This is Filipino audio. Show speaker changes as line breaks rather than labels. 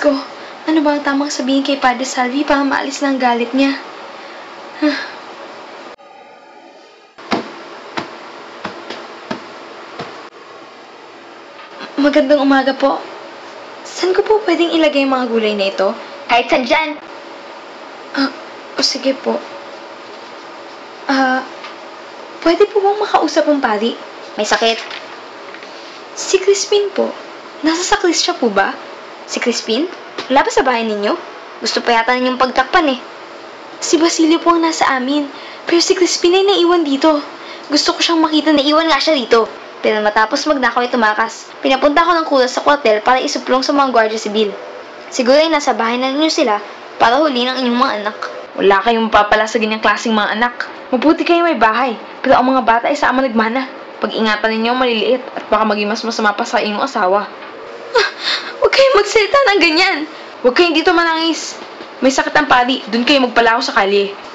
ko, ano ba ang tamang sabihin kay Padre Salvi para maalis na ang galit niya? Magandang umaga po. Saan ko po pwedeng ilagay yung mga gulay na ito?
Kahit saan dyan.
Sige po. Pwede po bang makausap ang pari?
May sakit.
Si Crispin po. Nasa saklis siya po ba?
Si Crispin? Wala ba sa bahay ninyo? Gusto pa yata ninyong pagtakpan eh.
Si Basilio po ang nasa amin. Pero si Crispin ay naiwan dito. Gusto ko siyang makita na
Naiwan nga siya dito. Pero matapos magnakaw ay tumakas. Pinapunta ko ng kulas sa kwartel para isuplong sa mga gwardiya sibil. Siguro ay nasa bahay na ninyo sila para huli ng inyong mga anak.
wala kayong mapapala sa ganyang klaseng mga anak. Mabuti kayo may bahay. Pero ang mga bata ay sama nagmana. Pag-ingatan ninyo ang maliliit at baka maging mas masama pa sa inyong asawa. Huwag kayong magsalita ng ganyan. Huwag kayong dito manangis. May sakit ang pari. Doon kayo magpalaho sa kalye.